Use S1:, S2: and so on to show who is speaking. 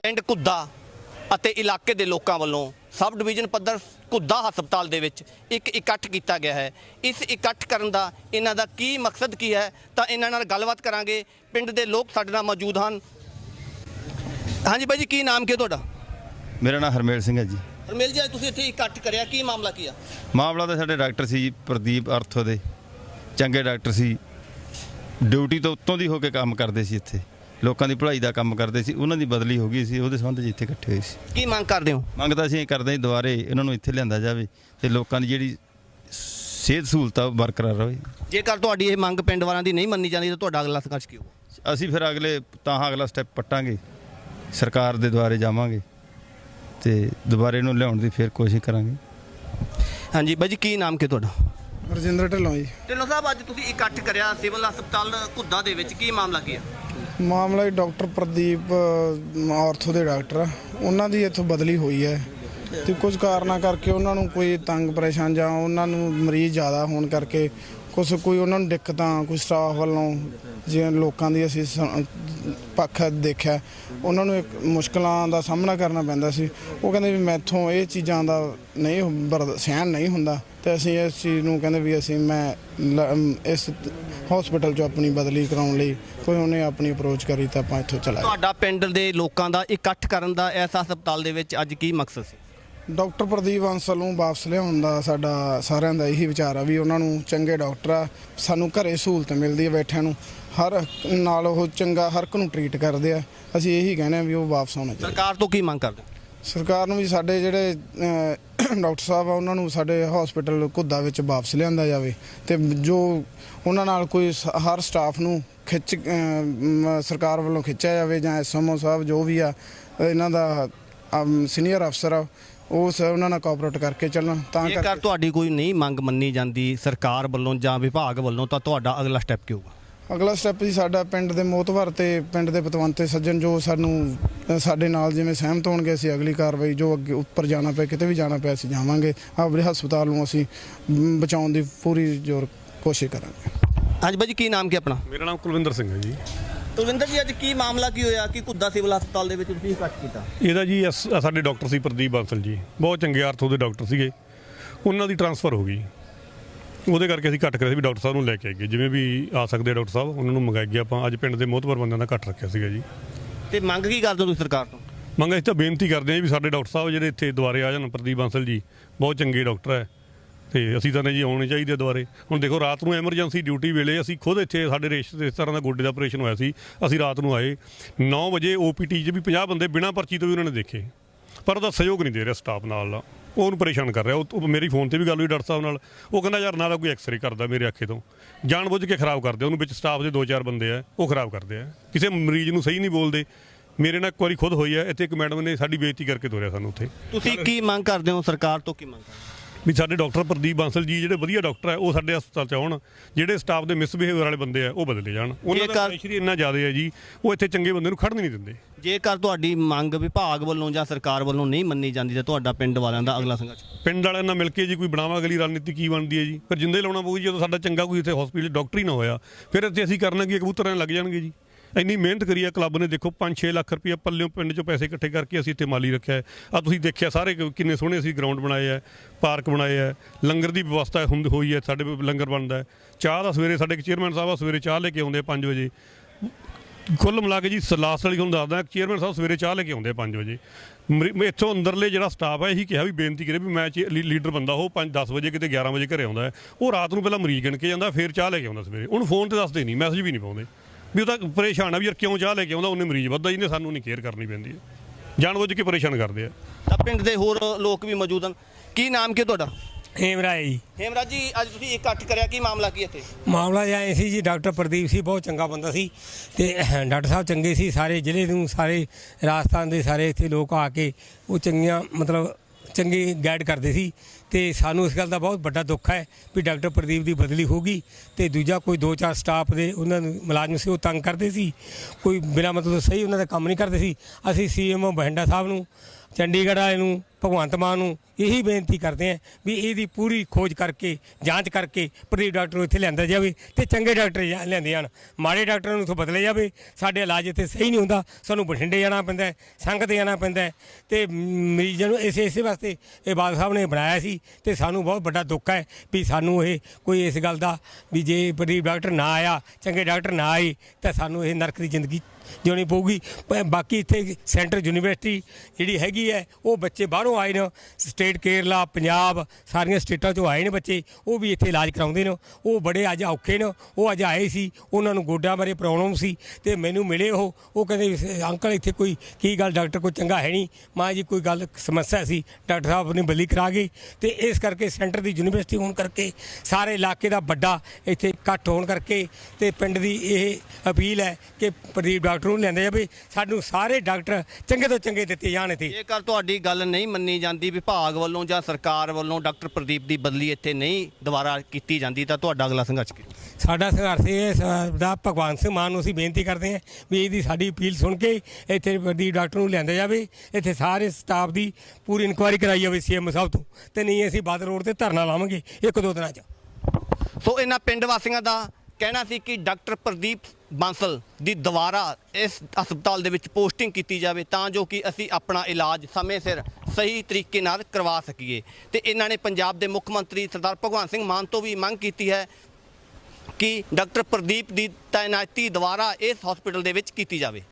S1: ਪਿੰਡ ਘੁੱਦਾ ਅਤੇ ਇਲਾਕੇ ਦੇ ਲੋਕਾਂ ਵੱਲੋਂ ਸਬ ਡਿਵੀਜ਼ਨ ਪੱਧਰ ਘੁੱਦਾ ਹਸਪਤਾਲ ਦੇ ਵਿੱਚ ਇੱਕ ਇਕੱਠ ਕੀਤਾ ਗਿਆ ਹੈ। ਇਸ ਇਕੱਠ ਕਰਨ ਦਾ ਇਹਨਾਂ ਦਾ ਕੀ ਮਕਸਦ ਕੀ ਹੈ ਤਾਂ ਇਹਨਾਂ ਨਾਲ ਗੱਲਬਾਤ ਕਰਾਂਗੇ। ਪਿੰਡ ਦੇ ਲੋਕ ਸਾਡੇ ਨਾਲ ਮੌਜੂਦ ਹਨ। ਹਾਂਜੀ ਬਾਈ ਜੀ, ਕੀ ਨਾਮ ਕੀ ਤੁਹਾਡਾ?
S2: ਮੇਰਾ ਨਾਮ ਹਰਮੇਲ ਸਿੰਘ ਹੈ ਜੀ।
S1: ਹਰਮੇਲ ਜੀ, ਅੱਜ ਤੁਸੀਂ ਇੱਥੇ ਇਕੱਠ ਕਰਿਆ, ਕੀ ਮਾਮਲਾ ਕੀ ਆ?
S2: ਮਾਮਲਾ ਤਾਂ ਸਾਡੇ ਡਾਕਟਰ ਸੀ ਜੀ, ਪ੍ਰਦੀਪ ਅਰਥੋ ਦੇ ਚੰਗੇ ਡਾਕਟਰ ਸੀ, ਡਿਊਟੀ ਤੋਂ ਉੱਤੋਂ ਦੀ ਹੋ ਕੇ ਕੰਮ ਕਰਦੇ ਸੀ, ਇੱਥੇ ਲੋਕਾਂ ਦੀ ਭਲਾਈ ਦਾ ਕੰਮ ਕਰਦੇ ਸੀ। ਉਹਨਾਂ ਦੀ ਬਦਲੀ ਹੋ ਗਈ ਸੀ, ਉਹਦੇ ਸੰਬੰਧ 'ਚ ਇੱਥੇ ਇਕੱਠੇ ਹੋਏ ਸੀ।
S1: ਕੀ ਮੰਗ ਕਰਦੇ ਹੋ?
S2: ਮੰਗ ਤਾਂ ਅਸੀਂ ਕਰਦੇ ਹਾਂ ਦੁਬਾਰੇ ਇਹਨਾਂ ਨੂੰ ਇੱਥੇ ਲਿਆਂਦਾ ਜਾਵੇ ਅਤੇ ਲੋਕਾਂ ਦੀ ਜਿਹੜੀ ਸਿਹਤ ਸਹੂਲਤ ਆ ਉਹ ਬਰਕਰਾਰ ਰਹੇ।
S1: ਜੇਕਰ ਤੁਹਾਡੀ ਇਹ ਮੰਗ ਪਿੰਡ ਵਾਲਿਆਂ ਦੀ ਨਹੀਂ ਮੰਨੀ ਜਾਂਦੀ ਤਾਂ ਤੁਹਾਡਾ ਅਗਲਾ ਸੰਘਰਸ਼ ਕੀ ਹੋਊ?
S2: ਅਸੀਂ ਫਿਰ ਅਗਲਾ ਸਟੈਪ ਪੱਟਾਂਗੇ, ਸਰਕਾਰ ਦੇ ਦੁਆਰੇ ਜਾਵਾਂਗੇ ਅਤੇ ਦੁਬਾਰੇ ਇਹਨੂੰ ਲਿਆਉਣ ਦੀ ਫਿਰ ਕੋਸ਼ਿਸ਼ ਕਰਾਂਗੇ।
S1: ਹਾਂਜੀ ਬਾਈ ਜੀ, ਕੀ ਨਾਮ ਕੀ ਤੁਹਾਡਾ?
S3: ਰਜਿੰਦਰ ਢਿੱਲੋਂ ਜੀ।
S1: ਢਿੱਲੋਂ ਸਾਹਿਬ, ਅੱਜ ਤੁਸੀਂ ਇਕੱਠ ਕਰਿਆ ਸਿਵਲ ਹਸਪਤਾਲ ਘੁੱਦਾ ਦੇ ਵਿੱਚ, ਕੀ ਮਾਮਲਾ ਕੀ ਆ?
S3: ਮਾਮਲਾ ਡਾਕਟਰ ਪ੍ਰਦੀਪ ਆਰਥੋ ਦੇ ਡਾਕਟਰ ਆ, ਉਹਨਾਂ ਦੀ ਇੱਥੋਂ ਬਦਲੀ ਹੋਈ ਹੈ ਅਤੇ ਕੁਝ ਕਾਰਨਾਂ ਕਰਕੇ ਉਹਨਾਂ ਨੂੰ ਕੋਈ ਤੰਗ ਪਰੇਸ਼ਾਨ ਜਾਂ ਉਹਨਾਂ ਨੂੰ ਮਰੀਜ਼ ਜ਼ਿਆਦਾ ਹੋਣ ਕਰਕੇ ਕੋਈ ਉਹਨਾਂ ਨੂੰ ਦਿੱਕਤਾਂ, ਕੋਈ ਸਟਾਫ ਵੱਲੋਂ ਜਿਵੇਂ ਲੋਕਾਂ ਦੀ ਅਸੀਂ ਪੱਖ ਦੇਖਿਆ, ਉਹਨਾਂ ਨੂੰ ਇੱਕ ਮੁਸ਼ਕਲਾਂ ਦਾ ਸਾਹਮਣਾ ਕਰਨਾ ਪੈਂਦਾ ਸੀ। ਉਹ ਕਹਿੰਦੇ ਵੀ ਮੈਥੋਂ ਇਹ ਚੀਜ਼ਾਂ ਦਾ ਨਹੀਂ ਸਹਿਣ ਨਹੀਂ ਹੁੰਦਾ ਅਤੇ ਅਸੀਂ ਇਸ ਚੀਜ਼ ਨੂੰ ਕਹਿੰਦੇ ਵੀ ਇਸ ਹਸਪੀਟਲ 'ਚੋਂ ਆਪਣੀ ਬਦਲੀ ਕਰਾਉਣ ਲਈ ਕੋਈ ਉਹਨੇ ਆਪਣੀ ਅਪਰੋਚ ਕਰੀ ਤਾਂ ਆਪਾਂ ਇੱਥੋਂ ਚਲਾਏ।
S1: ਤੁਹਾਡਾ ਪਿੰਡ ਦੇ ਲੋਕਾਂ ਦਾ ਇਕੱਠ ਕਰਨ ਦਾ ਇਸ ਹਸਪਤਾਲ ਦੇ ਵਿੱਚ ਅੱਜ ਕੀ ਮਕਸਦ ਸੀ?
S3: ਡਾਕਟਰ ਪ੍ਰਦੀਪ ਬਾਂਸਲ ਨੂੰ ਵਾਪਸ ਲਿਆਉਣ ਦਾ ਸਾਡਾ ਸਾਰਿਆਂ ਦਾ ਇਹੀ ਵਿਚਾਰ ਆ ਵੀ ਉਹਨਾਂ ਨੂੰ ਚੰਗੇ ਡਾਕਟਰ ਆ, ਸਾਨੂੰ ਘਰੇ ਸਹੂਲਤ ਮਿਲਦੀ ਹੈ ਬੈਠਿਆਂ ਨੂੰ, ਹਰ ਨਾਲ ਉਹ ਚੰਗਾ ਹਰ ਇੱਕ ਨੂੰ ਟਰੀਟ ਕਰਦੇ ਆ। ਅਸੀਂ ਇਹੀ ਕਹਿੰਦੇ ਹਾਂ ਵੀ ਉਹ ਵਾਪਸ ਆਉਣਾ ਚਾਹੀਦਾ।
S1: ਸਰਕਾਰ ਤੋਂ ਕੀ ਮੰਗ ਕਰਦੇ?
S3: ਸਰਕਾਰ ਨੂੰ ਵੀ ਸਾਡੇ ਜਿਹੜੇ ਡਾਕਟਰ ਸਾਹਿਬ ਆ ਉਹਨਾਂ ਨੂੰ ਸਾਡੇ ਹਸਪੀਟਲ ਘੁੱਦਾ ਵਿੱਚ ਵਾਪਸ ਲਿਆਂਦਾ ਜਾਵੇ ਅਤੇ ਜੋ ਉਹਨਾਂ ਨਾਲ ਕੋਈ ਹਰ ਸਟਾਫ ਨੂੰ ਸਰਕਾਰ ਵੱਲੋਂ ਖਿੱਚਿਆ ਜਾਵੇ ਜਾਂ SMO ਸਾਹਿਬ ਜੋ ਵੀ ਆ ਇਹਨਾਂ ਦਾ ਸੀਨੀਅਰ ਅਫਸਰ ਆ ਉਹਨਾਂ ਨਾਲ ਕੋਆਪਰੇਟ ਕਰਕੇ ਚੱਲਣ। ਤਾਂ
S1: ਜੇਕਰ ਤੁਹਾਡੀ ਕੋਈ ਨਹੀਂ ਮੰਗ ਮੰਨੀ ਜਾਂਦੀ ਸਰਕਾਰ ਵੱਲੋਂ ਜਾਂ ਵਿਭਾਗ ਵੱਲੋਂ ਤਾਂ ਤੁਹਾਡਾ ਅਗਲਾ ਸਟੈਪ ਕੀ ਹੋਊਗਾ?
S3: ਅਗਲਾ ਸਟੈਪ ਜੀ ਸਾਡਾ ਪਿੰਡ ਦੇ ਮੋਹਤਵਰ ਅਤੇ ਪਿੰਡ ਦੇ ਪਤਵੰਤੇ ਸੱਜਣ ਜੋ ਸਾਡੇ ਨਾਲ ਜਿਵੇਂ ਸਹਿਮਤ ਹੋਣਗੇ, ਅਸੀਂ ਅਗਲੀ ਕਾਰਵਾਈ ਜੋ ਅੱਗੇ ਉੱਪਰ ਜਾਣਾ ਪਿਆ, ਕਿਤੇ ਵੀ ਜਾਣਾ ਪਿਆ ਅਸੀਂ ਜਾਵਾਂਗੇ। ਆਪਣੇ ਹਸਪਤਾਲ ਨੂੰ ਅਸੀਂ ਬਚਾਉਣ ਦੀ ਪੂਰੀ ਜ਼ੋਰ ਕੋਸ਼ਿਸ਼ ਕਰਾਂਗੇ।
S1: ਹਾਂਜੀ ਬਾਈ ਜੀ, ਕੀ ਨਾਮ ਕੀ ਆਪਣਾ?
S4: ਮੇਰਾ ਨਾਮ ਕੁਲਵਿੰਦਰ ਸਿੰਘ ਹੈ ਜੀ।
S1: ਕੁਲਵਿੰਦਰ ਜੀ, ਅੱਜ ਕੀ ਮਾਮਲਾ ਕੀ ਹੋਇਆ ਕਿ ਘੁੱਦਾ ਸਿਵਲ ਹਸਪਤਾਲ ਦੇ ਵਿੱਚ ਤੁਸੀਂ ਇਕੱਠ ਕੀਤਾ?
S4: ਇਹਦਾ ਜੀ ਸਾਡੇ ਡਾਕਟਰ ਸੀ ਪ੍ਰਦੀਪ ਬਾਂਸਲ ਜੀ, ਬਹੁਤ ਚੰਗੇ ਆਰਥੋ ਦੇ ਡਾਕਟਰ ਸੀਗੇ, ਉਹਨਾਂ ਦੀ ਟਰਾਂਸਫਰ ਹੋ ਗਈ, ਉਹਦੇ ਕਰਕੇ ਅਸੀਂ ਇਕੱਠ ਕਰਿਆ ਸੀ ਵੀ ਡਾਕਟਰ ਸਾਹਿਬ ਨੂੰ ਲੈ ਕੇ ਆਈਏ, ਜਿਵੇਂ ਵੀ ਆ ਸਕਦੇ ਡਾਕਟਰ ਸਾਹਿਬ ਉਹਨਾਂ ਨੂੰ ਮੰਗਾਈਏ। ਆਪਾਂ ਅੱਜ ਪਿੰਡ ਦੇ ਮੋਹਤਵਰ ਬੰਦਿਆਂ ਦਾ ਇਕੱਠ ਰੱਖਿਆ ਸੀਗਾ ਜੀ।
S1: ਤੇ ਮੰਗ ਕੀ ਕਰਦੇ ਹੋ ਤੁਸੀਂ ਸਰਕਾਰ ਤੋਂ?
S4: ਮੰਗ ਅਸੀਂ ਤਾਂ ਬੇਨਤੀ ਕਰਦੇ ਹਾਂ ਵੀ ਸਾਡੇ ਡਾਕਟਰ ਸਾਹਿਬ ਜਿਹੜੇ ਇੱਥੇ ਦੁਆਰੇ ਆ ਜਾਣ। ਪ੍ਰਦੀਪ ਬਾਂਸਲ ਜੀ ਬਹੁਤ ਚੰਗੇ ਡਾਕਟਰ ਹੈ ਅਤੇ ਅਸੀਂ ਤਾਂ ਜੀ ਆਉਣੇ ਚਾਹੀਦੇ ਦੁਆਰੇ। ਹੁਣ ਦੇਖੋ, ਰਾਤ ਨੂੰ ਐਮਰਜੈਂਸੀ ਡਿਊਟੀ ਵੇਲੇ ਅਸੀਂ ਖੁਦ ਇੱਥੇ ਸਾਡੇ ਰਿਸ਼ਤੇਦਾਰਾਂ ਦਾ ਗੋਡੇ ਦਾ ਆਪਰੇਸ਼ਨ ਹੋਇਆ ਸੀ, ਅਸੀਂ ਰਾਤ ਨੂੰ ਆਏ 9 ਵਜੇ OPT 'ਚ ਵੀ 50 ਬੰਦੇ ਬਿਨਾਂ ਪਰਚੀ ਤੋਂ ਵੀ ਉਹਨਾਂ ਨੇ ਦੇਖੇ, ਪਰ ਉਹਦਾ ਸਹਿਯੋਗ ਨਹੀਂ ਦੇ ਰਿਹਾ ਸਟਾਫ ਨਾਲ, ਉਹਨੂੰ ਪਰੇਸ਼ਾਨ ਕਰ ਰਿਹਾ। ਉਹ ਮੇਰੀ ਫੋਨ 'ਤੇ ਵੀ ਗੱਲ ਹੋਈ ਡਾਕਟਰ ਸਾਹਿਬ ਨਾਲ, ਉਹ ਕਹਿੰਦਾ ਯਾਰ ਨਾ ਤਾਂ ਕੋਈ ਐਕਸਰੇ ਕਰਦਾ ਮੇਰੇ ਅੱਖੇ ਤੋਂ, ਜਾਣ ਬੁੱਝ ਕੇ ਖਰਾਬ ਕਰਦੇ ਉਹਨੂੰ, ਵਿੱਚ ਸਟਾਫ ਦੇ 2-4 ਬੰਦੇ ਆ ਉਹ ਖਰਾਬ ਕਰਦੇ ਆ, ਕਿਸੇ ਮਰੀਜ਼ ਨੂੰ ਸਹੀ ਨਹੀਂ ਬੋਲਦੇ। ਮੇਰੇ ਨਾਲ ਇੱਕ ਵਾਰੀ ਖੁਦ ਹੋਈ ਹੈ, ਇੱਥੇ ਇੱਕ ਮੈਡਮ ਨੇ ਸਾਡੀ ਬੇਇੱਜ਼ਤੀ ਕਰਕੇ ਤੋਰਿਆ ਸਾਨੂੰ ਉੱਥੇ।
S1: ਤੁਸੀਂ ਕੀ ਮੰਗ ਕਰਦੇ ਹੋ ਸਰਕਾਰ ਤੋਂ? ਕੀ ਮੰਗ ਕਰਦੇ
S4: ਵੀ ਸਾਡੇ ਡਾਕਟਰ ਪ੍ਰਦੀਪ ਬਾਂਸਲ ਜੀ ਜਿਹੜੇ ਵਧੀਆ ਡਾਕਟਰ ਹੈ ਉਹ ਸਾਡੇ ਹਸਪਤਾਲ 'ਚ ਆਉਣ, ਜਿਹੜੇ ਸਟਾਫ ਦੇ ਮਿਸਬਿਹੇਵੀਅਰ ਵਾਲੇ ਬੰਦੇ ਆ ਉਹ ਬਦਲੇ ਜਾਣ। ਉਹਨਾਂ ਦਾ ਪ੍ਰੈਸ਼ਰ ਇੰਨਾ ਜ਼ਿਆਦਾ ਹੈ ਜੀ, ਉਹ ਇੱਥੇ ਚੰਗੇ ਬੰਦੇ ਨੂੰ ਖੜ੍ਹਨ ਨਹੀਂ ਦਿੰਦੇ।
S1: ਜੇਕਰ ਤੁਹਾਡੀ ਮੰਗ ਵਿਭਾਗ ਵੱਲੋਂ ਜਾਂ ਸਰਕਾਰ ਵੱਲੋਂ ਨਹੀਂ ਮੰਨੀ ਜਾਂਦੀ ਤਾਂ ਤੁਹਾਡਾ ਪਿੰਡ ਵਾਲਿਆਂ ਦਾ ਅਗਲਾ ਸੰਘਰਸ਼?
S4: ਪਿੰਡ ਵਾਲਿਆਂ ਨਾਲ ਮਿਲ ਕੇ ਜੀ ਕੋਈ ਬਣਾਵਾ ਅਗਲੀ ਰਣਨੀਤੀ ਕੀ ਬਣਦੀ ਹੈ ਜੀ, ਫਿਰ ਜਿੰਦੇ ਲਾਉਣਾ ਪਊਗੀ। ਜਦੋਂ ਸਾਡਾ ਚੰਗਾ ਕੋਈ ਇੱਥੇ ਹਸਪੀਟਲ ਡਾਕਟਰ ਹੀ ਨਾ ਹੋਇਆ ਫਿਰ ਇੱਥੇ ਅਸੀਂ ਕਰਨਾ ਕੀ, ਕਬੂਤਰਾਂ ਲੱਗ ਜਾਣਗੇ ਜੀ। ਇੰਨੀ ਮਿਹਨਤ ਕਰੀ ਹੈ ਕਲੱਬ ਨੇ, ਦੇਖੋ 5-6 ਲੱਖ ਰੁਪਈਆ ਪੱਲਿਓਂ ਪਿੰਡ 'ਚੋਂ ਪੈਸੇ ਇਕੱਠੇ ਕਰਕੇ ਅਸੀਂ ਇੱਥੇ ਮਾਲੀ ਰੱਖਿਆ ਹੈ। ਆ ਤੁਸੀਂ ਦੇਖਿਆ ਸਾਰੇ ਕਿੰਨੇ ਸੋਹਣੇ ਅਸੀਂ ਗਰਾਊਂਡ ਬਣਾਏ ਹੈ, ਪਾਰਕ ਬਣਾਏ ਹੈ, ਲੰਗਰ ਦੀ ਵਿਵਸਥਾ ਹੋਈ ਹੈ, ਸਾਡੇ ਲੰਗਰ ਬਣਦਾ ਹੈ। ਚਾਹ ਦਾ ਸਵੇਰੇ ਸਾਡੇ ਚੇਅਰਮੈਨ ਸਾਹਿਬ ਸਵੇਰੇ ਚਾਹ ਲੈ ਕੇ ਆਉਂਦੇ 5 ਵਜੇ। ਕੁੱਲ ਮਿਲਾ ਕੇ ਜੀ ਲਾਸਟ ਵਾਲੀ ਤੁਹਾਨੂੰ ਦੱਸਦਾ, ਚੇਅਰਮੈਨ ਸਾਹਿਬ ਸਵੇਰੇ ਚਾਹ ਲੈ ਕੇ ਆਉਂਦੇ 5 ਵਜੇ। ਇੱਥੋਂ ਅੰਦਰਲੇ ਜਿਹੜਾ ਸਟਾਫ ਹੈ ਇਹੀ ਕਿਹਾ ਵੀ ਬੇਨਤੀ ਕਰੇ ਵੀ ਮੈਂ ਲੀਡਰ ਬੰਦਾ ਉਹ 5-10 ਵਜੇ ਕਿਤੇ 11 ਵਜੇ ਘਰੇ ਆਉਂਦਾ ਹੈ, ਉਹ ਰਾਤ ਨੂੰ ਪਹਿਲਾਂ ਮਰੀਜ਼ ਗਿਣ ਕੇ ਜਾਂਦਾ, ਫਿਰ ਚਾਹ ਲੈ ਕੇ ਆਉਂਦਾ ਸਵੇਰੇ। ਉਹਨੂੰ ਫੋਨ 'ਤੇ ਦੱਸਦੇ ਨਹੀਂ, ਮੈਸੇਜ ਵੀ ਨਹੀਂ ਪਾਉਂਦੇ ਵੀ ਉਹ ਤਾਂ ਪਰੇਸ਼ਾਨ ਆ ਵੀ ਯਾਰ ਕਿਉਂ ਚਾਹ ਲੈ ਕੇ ਆਉਂਦਾ, ਉਹਨੇ ਮਰੀਜ਼ ਵੱਧਦਾ, ਜਿਹਨੇ ਸਾਨੂੰ ਨਹੀਂ ਕੇਅਰ ਕਰਨੀ ਪੈਂਦੀ ਹੈ, ਜਾਣ ਬੁੱਝ ਕੇ ਪਰੇਸ਼ਾਨ ਕਰਦੇ ਆ।
S1: ਤਾਂ ਪਿੰਡ ਦੇ ਹੋਰ ਲੋਕ ਵੀ ਮੌਜੂਦ ਹਨ। ਕੀ ਨਾਮ ਕੀ ਤੁਹਾਡਾ?
S5: ਹੇਮਰਾਜ ਜੀ।
S1: ਹੇਮਰਾਜ ਜੀ, ਅੱਜ ਤੁਸੀਂ ਇਕੱਠ ਕਰਿਆ, ਕੀ ਮਾਮਲਾ ਕੀ ਇੱਥੇ?
S5: ਮਾਮਲਾ ਐਂ ਸੀ ਜੀ, ਡਾਕਟਰ ਪ੍ਰਦੀਪ ਸੀ ਬਹੁਤ ਚੰਗਾ ਬੰਦਾ ਸੀ ਅਤੇ ਡਾਕਟਰ ਸਾਹਿਬ ਚੰਗੇ ਸੀ, ਸਾਰੇ ਜ਼ਿਲ੍ਹੇ ਨੂੰ ਸਾਰੇ ਰਾਜਸਥਾਨ ਦੇ ਸਾਰੇ ਇੱਥੇ ਲੋਕ ਆ ਕੇ ਉਹ ਚੰਗੀਆਂ ਚੰਗੀ ਗਾਈਡ ਕਰਦੇ ਸੀ। ਅਤੇ ਸਾਨੂੰ ਇਸ ਗੱਲ ਦਾ ਬਹੁਤ ਵੱਡਾ ਦੁੱਖ ਹੈ ਵੀ ਡਾਕਟਰ ਪ੍ਰਦੀਪ ਦੀ ਬਦਲੀ ਹੋ ਗਈ ਅਤੇ ਦੂਜਾ ਕੋਈ 2-4 ਸਟਾਫ ਦੇ ਉਹਨਾਂ ਨੂੰ ਮੁਲਾਜ਼ਮ ਸੀ ਉਹ ਤੰਗ ਕਰਦੇ ਸੀ, ਕੋਈ ਬਿਨਾਂ ਮਤਲਬ ਸਹੀ ਉਹਨਾਂ ਦਾ ਕੰਮ ਨਹੀਂ ਕਰਦੇ ਸੀ। ਅਸੀਂ CMO ਬਠਿੰਡਾ ਸਾਹਿਬ ਨੂੰ, ਚੰਡੀਗੜ੍ਹ ਵਾਲੇ ਨੂੰ, ਭਗਵੰਤ ਮਾਨ ਨੂੰ ਇਹੀ ਬੇਨਤੀ ਕਰਦੇ ਹਾਂ ਵੀ ਇਹਦੀ ਪੂਰੀ ਖੋਜ ਕਰਕੇ ਜਾਂਚ ਕਰਕੇ ਪ੍ਰਦੀਪ ਡਾਕਟਰ ਨੂੰ ਇੱਥੇ ਲਿਆਂਦਾ ਜਾਵੇ ਤੇ ਚੰਗੇ ਡਾਕਟਰ ਲਿਆਂਦੇ ਜਾਣ, ਮਾੜੇ ਡਾਕਟਰਾਂ ਨੂੰ ਇੱਥੋਂ ਬਦਲੇ ਜਾਵੇ। ਸਾਡੇ ਇਲਾਜ ਇੱਥੇ ਸਹੀ ਨਹੀਂ ਹੁੰਦਾ, ਸਾਨੂੰ ਬਠਿੰਡੇ ਜਾਣਾ ਪੈਂਦਾ ਹੈ, ਸੰਗਤ ਜਾਣਾ ਪੈਂਦਾ ਹੈ ਤੇ ਮਰੀਜ਼ਾਂ ਨੂੰ ਇਸੇ ਵਾਸਤੇ ਇਹ ਬਾਦਲ ਸਾਹਿਬ ਨੇ ਬਣਾਇਆ ਸੀ ਤੇ ਸਾਨੂੰ ਬਹੁਤ ਵੱਡਾ ਦੁੱਖ ਹੈ ਵੀ ਸਾਨੂੰ ਇਹ ਕੋਈ ਇਸ ਗੱਲ ਦਾ ਵੀ ਜੇ ਪ੍ਰਦੀਪ ਡਾਕਟਰ ਨਾ ਆਇਆ, ਚੰਗੇ ਡਾਕਟਰ ਨਾ ਆਏ ਤਾਂ ਸਾਨੂੰ ਇਹ ਨਰਕ ਦੀ ਜ਼ਿੰਦਗੀ ਜਿਉਣੀ ਪਊਗੀ। ਬਾਕੀ ਇੱਥੇ ਸੈਂਟਰ ਯੂਨੀਵਰਸਿਟੀ ਜਿਹੜੀ ਹੈਗੀ ਹੈ ਉਹ ਬੱਚੇ ਬਾਹਰੋਂ ਆਏ ਨੇ, ਸਟੇਟ ਕੇਰਲਾ, ਪੰਜਾਬ, ਸਾਰੀਆਂ ਸਟੇਟਾਂ 'ਚੋਂ ਆਏ ਨੇ ਬੱਚੇ, ਉਹ ਵੀ ਇੱਥੇ ਇਲਾਜ ਕਰਾਉਂਦੇ ਨੇ। ਉਹ ਬੜੇ ਅੱਜ ਔਖੇ ਨੇ, ਉਹ ਅੱਜ ਆਏ ਸੀ, ਉਹਨਾਂ ਨੂੰ ਗੋਡਿਆਂ ਬਾਰੇ ਪ੍ਰੋਬਲਮ ਸੀ ਤੇ ਮੈਨੂੰ ਮਿਲੇ ਉਹ ਕਹਿੰਦੇ ਅੰਕਲ ਇੱਥੇ ਕੋਈ ਕੀ ਗੱਲ ਡਾਕਟਰ ਕੋਈ ਚੰਗਾ ਹੈ ਨਹੀਂ। ਮਾਂ ਜੀ ਕੋਈ ਗੱਲ ਸਮੱਸਿਆ ਸੀ, ਡਾਕਟਰ ਸਾਹਿਬ ਨੇ ਬਦਲੀ ਕਰਾ ਗਈ ਤੇ ਇਸ ਕਰਕੇ ਸੈਂਟਰ ਦੀ ਯੂਨੀਵਰਸਿਟੀ ਹੋਣ ਕਰਕੇ ਸਾਰੇ ਇਲਾਕੇ ਦਾ ਵੱਡਾ ਇੱਥੇ ਇਕੱਠ ਹੋਣ ਕਰਕੇ ਤੇ ਪਿੰਡ ਦੀ ਇਹ ਅਪੀਲ ਹੈ ਕਿ ਪ੍ਰਦੀਪ ਡਾਕਟਰ ਨੂੰ ਲਿਆਂਦੇ ਜਾਵੇ, ਸਾਨੂੰ ਸਾਰੇ ਡਾਕਟਰ ਚੰਗੇ ਤੋਂ ਚੰਗੇ ਦਿੱਤੇ ਜਾਣ ਇੱਥੇ।
S1: ਜੇਕਰ ਤੁਹਾਡੀ ਗੱਲ ਨਹੀਂ ਮੰਨੀ ਜਾਂਦੀ, ਵਿਭਾਗ ਵੱਲੋਂ ਜਾਂ ਸਰਕਾਰ ਵੱਲੋਂ ਡਾਕਟਰ ਪ੍ਰਦੀਪ ਦੀ ਬਦਲੀ ਇੱਥੇ ਨਹੀਂ ਦੁਬਾਰਾ ਕੀਤੀ ਜਾਂਦੀ ਤਾਂ ਤੁਹਾਡਾ ਅਗਲਾ ਸੰਘਰਸ਼ ਕੀ?
S5: ਸਾਡਾ ਸੰਘਰਸ਼ ਇਹ ਦਾ ਭਗਵੰਤ ਸਿੰਘ ਮਾਨ ਨੂੰ ਅਸੀਂ ਬੇਨਤੀ ਕਰਦੇ ਹਾਂ ਵੀ ਇਹਦੀ ਸਾਡੀ ਅਪੀਲ ਸੁਣ ਕੇ ਇੱਥੇ ਪ੍ਰਦੀਪ ਡਾਕਟਰ ਨੂੰ ਲਿਆਂਦਾ ਜਾਵੇ, ਇੱਥੇ ਸਾਰੇ ਸਟਾਫ ਦੀ ਪੂਰੀ ਇਨਕੁਆਇਰੀ ਕਰਾਈ ਜਾਵੇ CM ਸਾਹਿਬ ਤੋਂ, ਤੇ ਨਹੀਂ ਅਸੀਂ ਬਾਦਲ ਰੋਡ ਤੇ ਧਰਨਾ ਲਾਵਾਂਗੇ 1-2 ਦਿਨਾਂ 'ਚ।
S1: ਸੋ ਇਹਨਾਂ ਪਿੰਡ ਵਾਸੀਆਂ ਦਾ ਕਹਿਣਾ ਸੀ ਕਿ ਡਾਕਟਰ ਪ੍ਰਦੀਪ ਬਾਂਸਲ ਦੀ ਦੁਬਾਰਾ ਇਸ ਹਸਪਤਾਲ ਦੇ ਵਿੱਚ ਪੋਸਟਿੰਗ ਕੀਤੀ ਜਾਵੇ ਤਾਂ ਜੋ ਕਿ ਅਸੀਂ ਆਪਣਾ ਇਲਾਜ ਸਮੇਂ ਸਿਰ ਸਹੀ ਤਰੀਕੇ ਨਾਲ ਕਰਵਾ ਸਕੀਏ। ਤੇ ਇਹਨਾਂ ਨੇ ਪੰਜਾਬ ਦੇ ਮੁੱਖ ਮੰਤਰੀ ਸਰਦਾਰ ਭਗਵੰਤ ਸਿੰਘ ਮਾਨ ਤੋਂ ਵੀ ਮੰਗ ਕੀਤੀ ਹੈ ਕਿ ਡਾਕਟਰ ਪ੍ਰਦੀਪ ਦੀ ਤਾਇਨਾਤੀ ਦੁਬਾਰਾ ਇਸ ਹਸਪਤਾਲ ਦੇ ਵਿੱਚ ਕੀਤੀ ਜਾਵੇ।